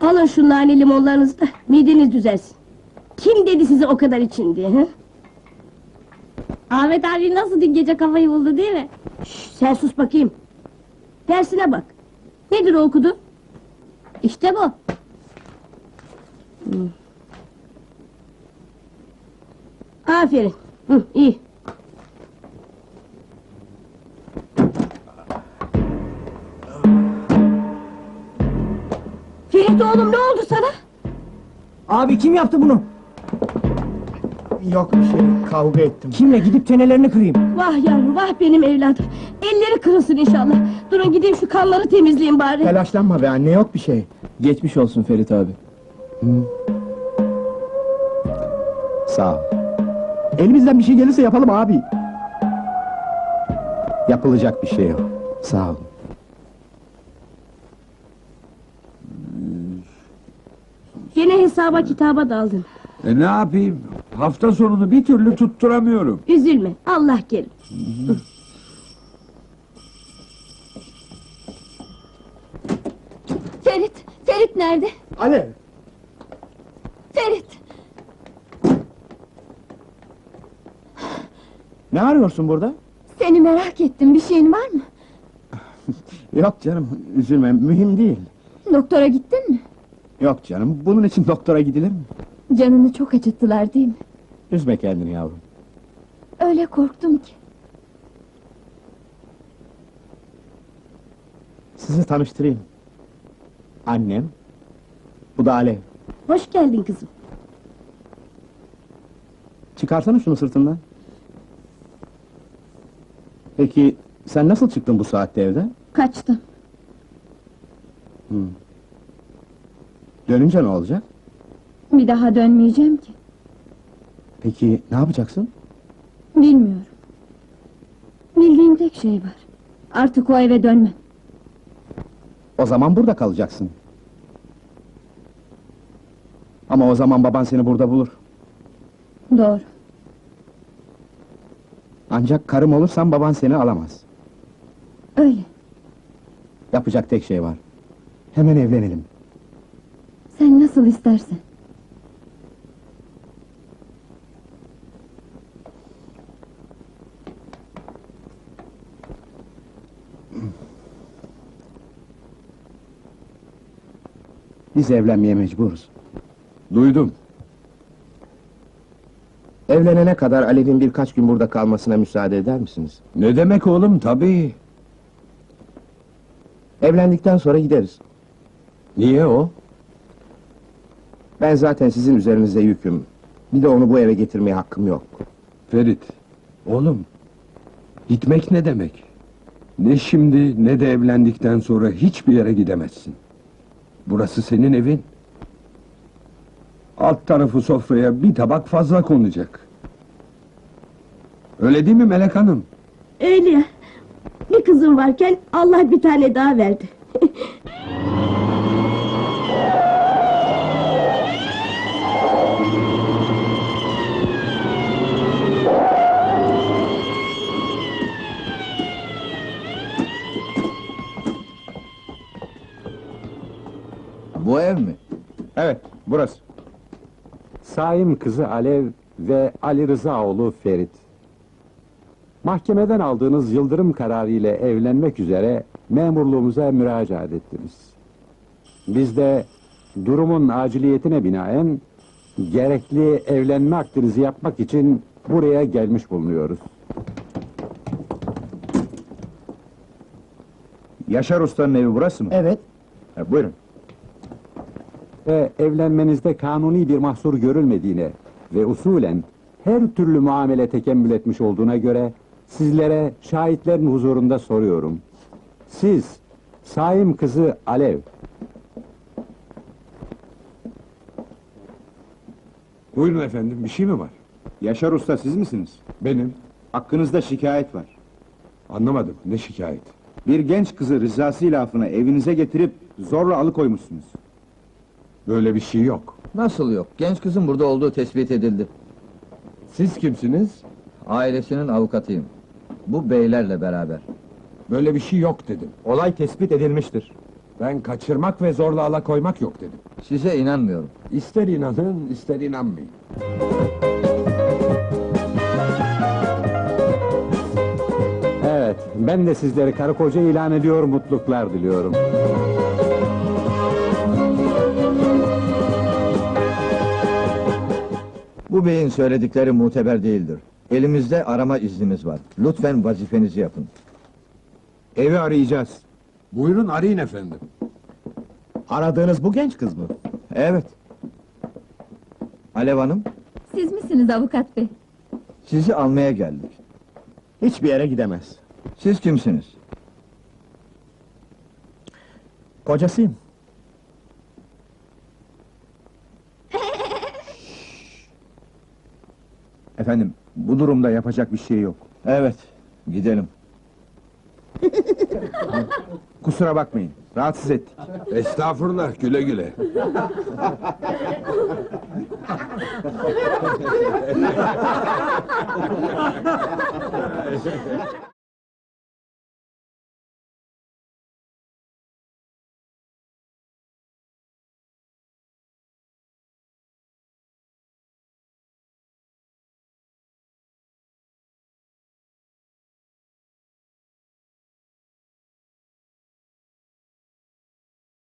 Alın şu nane limonlarınızı da mideniz düzelsin. Kim dedi size o kadar için diye, he? Ahmet abi nasıl dün gece kafayı buldu değil mi? Şş, sen sus bakayım. Dersine bak. Nedir o okudu? İşte bu. Aferin. İyi. Ferit oğlum, ne oldu sana? Abi kim yaptı bunu? Yok bir şey, kavga ettim. Kimle, gidip çenelerini kırayım. Vah yavrum, vah benim evladım. Elleri kırılsın inşallah. Durun gideyim şu kanları temizleyeyim bari. Telaşlanma be anne, yok bir şey. Geçmiş olsun Ferit abi. Sağ ol. Elimizden bir şey gelirse yapalım abi. Yapılacak bir şey yok. Sağ ol. Gene hesaba kitaba daldın. Ne yapayım? Hafta sonunu bir türlü tutturamıyorum. Üzülme, Allah kerim. Ferit nerede? Alev! Ferit! Ne arıyorsun burada? Seni merak ettim, bir şeyin var mı? Yok canım, üzülme, mühim değil. Doktora gittin mi? Yok canım, bunun için doktora gidilir mi? Canını çok acıttılar değil mi? Üzme kendini yavrum. Öyle korktum ki. Sizi tanıştırayım. Annem, bu da Alev. Hoş geldin kızım. Çıkarsana şunu sırtından. Peki, sen nasıl çıktın bu saatte evden? Kaçtım. Dönünce ne olacak? Bir daha dönmeyeceğim ki. Peki, ne yapacaksın? Bilmiyorum. Bildiğim tek şey var. Artık o eve dönmem. O zaman burada kalacaksın. Ama o zaman baban seni burada bulur. Doğru. Ancak karım olursan baban seni alamaz. Öyle. Yapacak tek şey var. Hemen evlenelim. Sen nasıl istersen. Biz evlenmeye mecburuz. Duydum. Evlenene kadar Alev'in birkaç gün burada kalmasına müsaade eder misiniz? Ne demek oğlum, tabii. Evlendikten sonra gideriz. Niye o? Ben zaten sizin üzerinize yüküm. Bir de onu bu eve getirmeye hakkım yok. Ferit, oğlum, gitmek ne demek? Ne şimdi ne de evlendikten sonra hiçbir yere gidemezsin. Burası senin evin. Alt tarafı sofraya bir tabak fazla konacak. Öyle değil mi Melek Hanım? Öyle ya. Bir kızım varken Allah bir tane daha verdi. Bu ev mi? Evet, burası. Saim kızı Alev ve Ali Rızaoğlu Ferit. Mahkemeden aldığınız yıldırım kararı ile evlenmek üzere memurluğumuza müracaat ettiniz. Biz de durumun aciliyetine binaen gerekli evlenme akdinizi yapmak için buraya gelmiş bulunuyoruz. Yaşar Usta'nın evi burası mı? Evet. Buyurun. Ve evlenmenizde kanuni bir mahsur görülmediğine ve usulen her türlü muamele tekemmül etmiş olduğuna göre sizlere şahitlerin huzurunda soruyorum. Siz, Saim kızı Alev, Buyurun efendim, bir şey mi var? Yaşar Usta siz misiniz? Benim. Hakkınızda şikayet var. Anlamadım, ne şikayet? Bir genç kızı rızası ilafına evinize getirip zorla alıkoymuşsunuz. Böyle bir şey yok. Nasıl yok? Genç kızın burada olduğu tespit edildi. Siz kimsiniz? Ailesinin avukatıyım. Bu beylerle beraber. Böyle bir şey yok dedim. Olay tespit edilmiştir. Ben kaçırmak ve zorla alakoymak yok dedim. Size inanmıyorum. İster inanın, ister inanmayın. Evet, ben de sizleri karı koca ilan ediyor, mutluluklar diliyorum. Bu beyin söyledikleri muteber değildir. Elimizde arama iznimiz var. Lütfen vazifenizi yapın. Evi arayacağız. Buyurun arayın efendim. Aradığınız bu genç kız mı? Evet. Alev Hanım, Siz misiniz avukat bey? sizi almaya geldik. Hiçbir yere gidemez. Siz kimsiniz? Kocasıyım. Efendim, bu durumda yapacak bir şey yok. Evet, gidelim. Kusura bakmayın, rahatsız ettik. Estağfurullah, güle güle.